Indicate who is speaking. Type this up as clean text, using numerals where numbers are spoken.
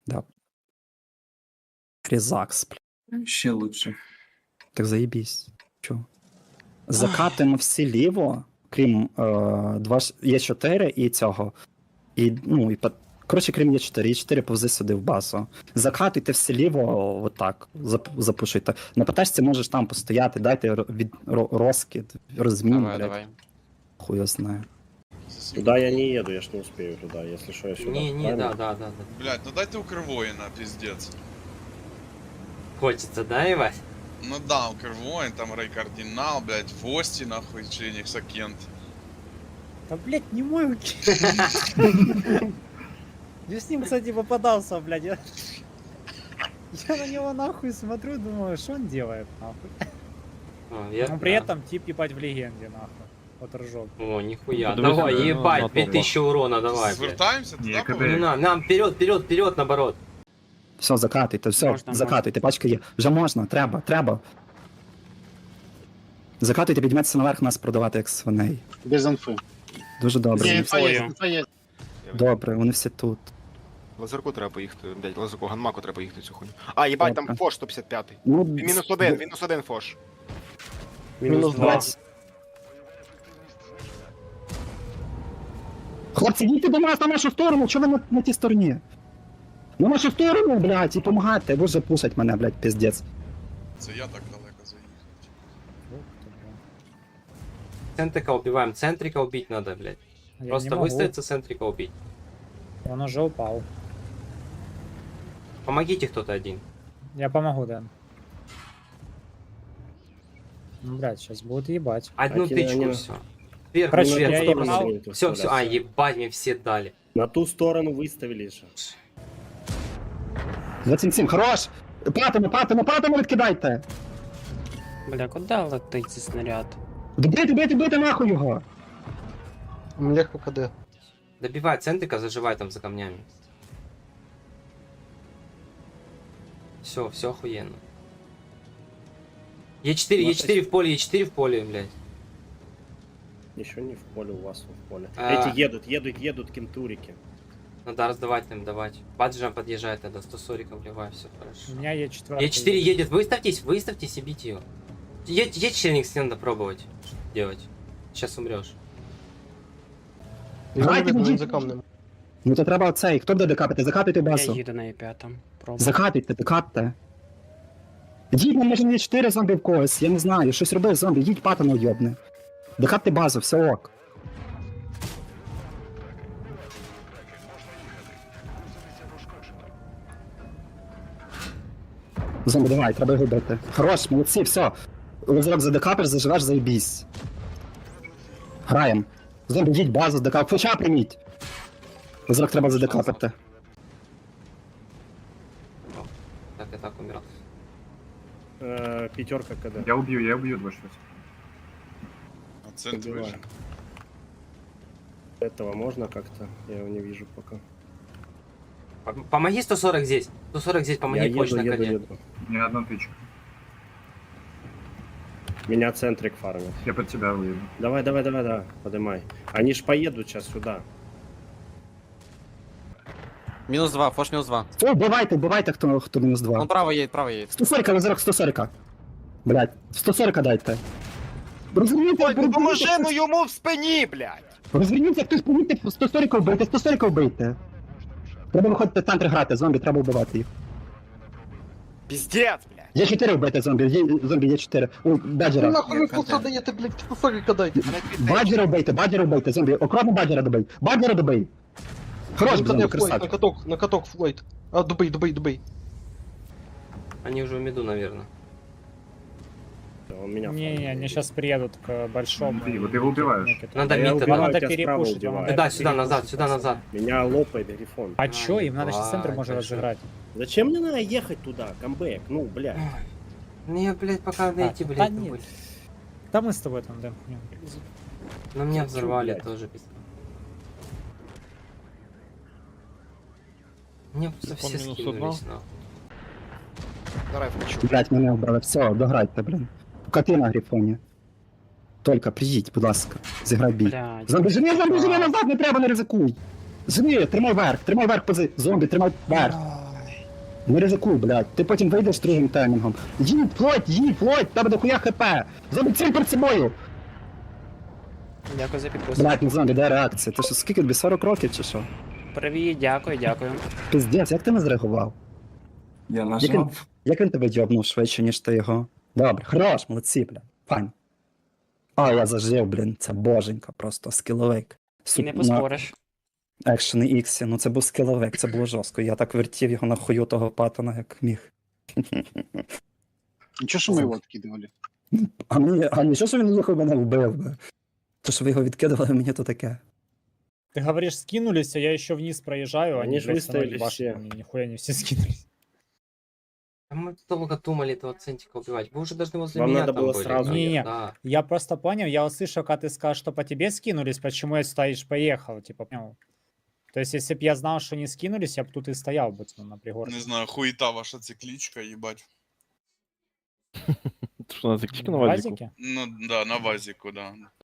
Speaker 1: Да. Резакс, бля.
Speaker 2: Ще лучше.
Speaker 1: Так заебись. Чо? Закатуємо всі ліво, крім Є4 і цього. І, ну, і коротше, крім Є4. Є4 повзи сюди в базу. Закатуйте всі ліво, отак, запушуйте. На ПТшці можеш там постояти, дайте розкид, розмін,
Speaker 3: Давай,
Speaker 1: блядь.
Speaker 3: давай.
Speaker 1: Хуй його знає.
Speaker 4: Туда я не еду, я ж не успею туда, если что, я сюда.
Speaker 3: Не,
Speaker 4: правильно?
Speaker 3: да.
Speaker 5: Блять, ну дайте у Кривоїна, пиздец.
Speaker 3: Хочется, да, Ивась?
Speaker 5: Ну да, у Кривоїн, там Рей Кардинал, блять, Фости, нахуй, чи Нексакент.
Speaker 6: Да, блядь, не мой уки. Я с ним, кстати, попадался, блядь. Я на него нахуй смотрю, думаю, что он делает, нахуй. Но при этом тип ебать в легенде, нахуй. Вот ржок.
Speaker 3: О, нихуя.
Speaker 7: Подумай,
Speaker 3: Давай,
Speaker 7: ну,
Speaker 3: ебать,
Speaker 7: на
Speaker 3: 5000 урона, давай, блядь.
Speaker 5: Звертаємося, туди
Speaker 7: Ні,
Speaker 5: повернемо?
Speaker 3: Не надо, нам вперед, наоборот.
Speaker 1: Все, закатуйте, все,
Speaker 7: Можна,
Speaker 1: закатуйте, пачка є. Вже можна, треба. Закатуйте, підійметься наверх, нас продавати як свиней.
Speaker 8: Без інфи.
Speaker 1: Дуже добре.
Speaker 8: Ні,
Speaker 1: вони
Speaker 8: інфа
Speaker 1: всі-
Speaker 8: є, інфа є.
Speaker 1: Добре, вони всі тут.
Speaker 3: Лазерку треба поїхати, блядь, лазерку, ганмаку треба поїхати цю хуйню. А, їбать, там
Speaker 1: Добре.
Speaker 3: фош 155.
Speaker 1: Ну,
Speaker 3: Мінус один фош.
Speaker 8: Мінус 20.
Speaker 1: Хлопці, їдьте до нас на нашу сторону, чого ви на тій стороні? На нашу сторону, блядь, і помагайте, ви вже пушать мене, блядь, пиздец.
Speaker 5: Це я так далеко заїхав.
Speaker 3: Центрика убиваем, центрика убить надо, блядь.
Speaker 6: Я
Speaker 3: Просто
Speaker 6: не могу.
Speaker 3: выставиться, центрика убить.
Speaker 6: Он уже упал.
Speaker 3: Помогите кто-то один.
Speaker 6: Я помогу, Дэн. Ну, блядь, сейчас будут ебать.
Speaker 3: Одну
Speaker 4: Окей,
Speaker 3: тычку,
Speaker 4: они-
Speaker 3: все. Вверх,
Speaker 6: Короче,
Speaker 4: Ну,
Speaker 6: я
Speaker 4: на ту
Speaker 6: ебал.
Speaker 4: сторону будете
Speaker 3: Все,
Speaker 4: вставляться.
Speaker 3: ебать, мне все дали.
Speaker 4: На ту сторону выставили же.
Speaker 1: 27, хорош! Патимо, відкидайте!
Speaker 7: Бля, куди летить цей снаряд?
Speaker 1: Бийте нахуй його!
Speaker 8: Легко КД.
Speaker 3: Добивай центрика, заживай там за камнями. Все охуенно. Е4 в поле, Е4 в поле, блядь.
Speaker 4: Еще не в поле у вас, в поле.
Speaker 3: А.
Speaker 4: Эти едут кентурики.
Speaker 3: Надо раздавать им, давать. Баджам подъезжает тогда, 140 вливай, все
Speaker 6: У
Speaker 3: хорошо.
Speaker 6: меня Е4.
Speaker 3: Е4 едет, выставьтесь и бить ее. Е4 надо пробовать делать. Сейчас умрешь.
Speaker 1: Грайте,
Speaker 8: Він
Speaker 1: біжіть.
Speaker 8: за камнем.
Speaker 1: Ну то треба цей, хто буде декапити? Закатуйте
Speaker 7: Я
Speaker 1: басу.
Speaker 7: їду на Е5. Пробую.
Speaker 1: Закатуйте, декапте. Їдь, ну, може не 4 зомбі в когось, я не знаю, щось роби зомбі, їдь патану йобне. Декапте базу, все ок. Зомбі, давай, треба його бити. Хорош, молодці, все. Лазерок задекапиш, заживеш, заєбісь. Граєм. Зомбі, їдь базу, декап. Флеша прийміть. Лазерок треба задекапити.
Speaker 3: Так и так умирал.
Speaker 4: Пятерка КД.
Speaker 7: Я убью 2
Speaker 5: А центр
Speaker 4: Убиваю.
Speaker 5: вижу.
Speaker 4: Этого можно как-то? Я его не вижу пока.
Speaker 3: Помоги 140 здесь. 140 здесь, помоги
Speaker 4: Я
Speaker 3: позже на коне.
Speaker 4: еду.
Speaker 7: Ни одну тычку.
Speaker 4: Меня центрик фармит.
Speaker 7: Я под тебя выеду.
Speaker 4: Давай, поднимай. Они ж поедут сейчас сюда.
Speaker 9: Минус 2, фош минус 2.
Speaker 1: О, бувайте, хто мінус 2.
Speaker 9: Он право едет.
Speaker 1: 140, Лазерок, 140. Блядь, 140 дайте. Розверніться,
Speaker 3: ну йому в спині, блядь!
Speaker 1: розверніться, хтось помітьте, 140 вбийте, 140 вбийте. Треба виходити в центр грати, зомбі, треба вбивати їх.
Speaker 3: Пиздец, блядь!
Speaker 1: Є 4 вбити зомбі, зомбі є 4. О, Баджера.
Speaker 8: Нахуй ви флоса даєте, блядь, флоса кидайте.
Speaker 1: Баджера вбийте, зомбі. Окропно Баджера добий. Баджера добий. Хорош,
Speaker 8: Флойд,
Speaker 1: зомбі,
Speaker 8: на
Speaker 1: красавчик.
Speaker 8: каток, на каток, Флойд. А, добий.
Speaker 3: Они уже в меду, наверное.
Speaker 4: Он меня
Speaker 6: Не,
Speaker 4: фармит.
Speaker 6: они сейчас приедут к большому.
Speaker 7: Ты вот его убиваешь.
Speaker 3: Надо
Speaker 4: Я
Speaker 3: мид
Speaker 4: убиваю,
Speaker 6: Вам
Speaker 3: тогда.
Speaker 6: надо
Speaker 4: тебя справа
Speaker 6: перепушить, вам
Speaker 4: убиваю.
Speaker 6: надо
Speaker 3: Да, сюда, назад,
Speaker 6: перепушить,
Speaker 3: сюда,
Speaker 6: пацаны.
Speaker 3: назад.
Speaker 4: Меня лопает Грифон.
Speaker 6: А чё, им надо сейчас центр
Speaker 3: ебать,
Speaker 6: может
Speaker 3: большой.
Speaker 6: разыграть.
Speaker 4: Зачем мне надо ехать туда? Камбэк, ну, блядь.
Speaker 3: Не, блядь, пока дойти,
Speaker 6: да
Speaker 3: блядь,
Speaker 6: нет.
Speaker 3: не будет.
Speaker 6: Да мы с тобой там, Дэн, хуйню.
Speaker 3: Но меня взорвали
Speaker 4: блядь?
Speaker 3: тоже, пиздец. Мне просто все
Speaker 9: минус
Speaker 3: скинулись, нахуй.
Speaker 9: Давай, включу.
Speaker 1: Блядь, мене вбрали. Все, дограйте, блін. Поки ти на грифоні. Тільки приїдь, будь ласка, зіграй бій.
Speaker 7: Блядь.
Speaker 1: Зомбі, живи назад, не треба, не ризикуй. Живи, тримай верх, пози. Зомбі, тримай верх. Не ризикуй, блядь. Ти потім вийдеш другим таймінгом. Їдь, Флойд, тебе дохуя хп. Зроби ціль перед собою.
Speaker 6: Дякую за підписку.
Speaker 1: Блядь, не знаю, де реакція. Ти що, скільки тобі, 40 років чи що?
Speaker 6: Привіт, дякую.
Speaker 1: Пиздець, як ти не зреагував?
Speaker 7: Я
Speaker 1: Як він,
Speaker 7: нажав.
Speaker 1: як він тебе йобнув швидше, ніж ти його? Добре, хорош, молодці, бля. Файн. А, я зажив, блін, це боженька, просто скіловик.
Speaker 6: І не поспориш.
Speaker 1: Екшен Іксі, ну це був скіловик, це було жорстко. Я так вертів його на хую того патона, як міг.
Speaker 7: Нічого, що ми його відкидували.
Speaker 1: А нічого, що він нахуй мене вбив би. То, що ви його відкидували, мені то таке.
Speaker 6: Ты говоришь, скинулись, а я еще вниз проезжаю,
Speaker 4: Они ж выставили все.
Speaker 6: Нихуя не все скинулись.
Speaker 3: А мы долго думали этого центика убивать. Вы уже должны возле
Speaker 4: Вам
Speaker 3: меня
Speaker 4: надо
Speaker 3: там
Speaker 4: было
Speaker 3: были.
Speaker 4: сразу.
Speaker 6: Не-не.
Speaker 3: Да.
Speaker 6: Я просто понял, я услышал, когда ты сказал, что по тебе скинулись, почему я стоишь, поехал, типа, понял. То есть, если бы я знал, что не скинулись, я бы тут и стоял бы на пригорке.
Speaker 5: Не знаю, хуета ваша цикличка, ебать.
Speaker 2: Что, на цикличке на
Speaker 6: На
Speaker 2: вазику?
Speaker 6: вазике?
Speaker 5: Ну да, на вазику, да.